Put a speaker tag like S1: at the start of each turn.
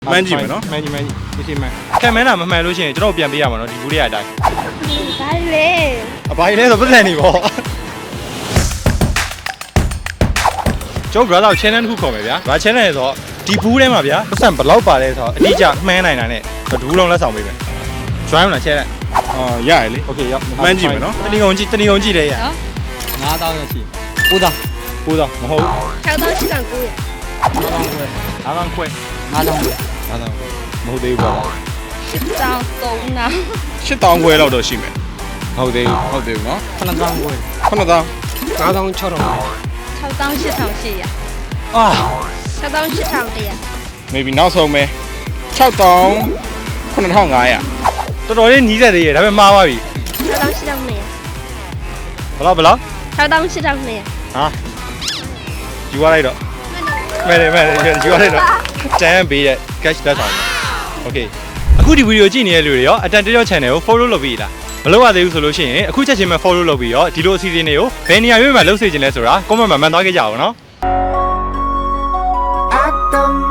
S1: မှန်းကြည့်မယ်နော်
S2: မှန်ကြီးဒီစီမှန်
S3: ခံမန်းတာမမှန်လို့ရှိရင်ကျွန်တော်ပြန်ပေးရမှာနော်ဒီဘူးလေးအတိုင်း
S4: ဘာလဲ
S3: အပိုင်းလဲဆိုပတ်စံနေပေါ့ကျွန်တော် brother channel တစ်ခုခေါ်မယ်ဗျာဘာ channel လဲဆိုတော့ဒီဘူးထဲမှာဗျာပတ်စံဘယ်လောက်ပါလဲဆိုတော့အတိအကျမှန်းနိုင်တာနဲ့ဒူးလုံးလက်ဆောင်ပေးမယ် join မလား channel
S1: အော်ရတယ်လေ
S3: okay ရောက်
S1: မှန်းကြည့်မယ်နော်
S3: တဏီကုံကြည့်တယ်ရ
S2: 9000ရရှိ9000
S3: 9000မဟုတ်
S4: 6000 8900
S3: 9000ခွဲ
S2: 9000
S3: မဟုတ်သေးဘူးပေါ့
S4: 1000
S1: 8000ခွဲလောက်တော့ရှိမယ်
S3: ဟုတ်သေးဘူး
S1: ဟုတ်တယ်နော်
S2: 9000ကို
S1: 9000
S2: 9000 6000
S4: 6800
S3: အာ
S4: 6800
S1: maybe နောက်ဆုံးပဲ6000 9500
S3: တော်တော်လေးနီးစက်သေးရဲ့ဒါပေမဲ့မှားပါပြီ
S4: 6800
S3: ဘယ်လောက်
S4: 6800
S3: ဟာယူရလိုက်တော့မဲတယ်ယူရလိုက်တော့တန်းပေးတဲ့ cash လက်ဆောင် okay အခုဒီဗီဒီယိုကြည့်နေတဲ့လူတွေရောအတန်တရော channel ကို follow လုပ်ပြီးလားမလုပ်ရသေးဘူးဆိုလို့ရှိရင်အခုချက်ချင်းပဲ follow လုပ်ပြီးတော့ဒီလိုအစီအစဉ်တွေကိုဘယ်နေရာရွေးမှာလုပ်စေချင်လဲဆိုတာ comment မှာမှန်သွားခဲ့ကြအောင်နော်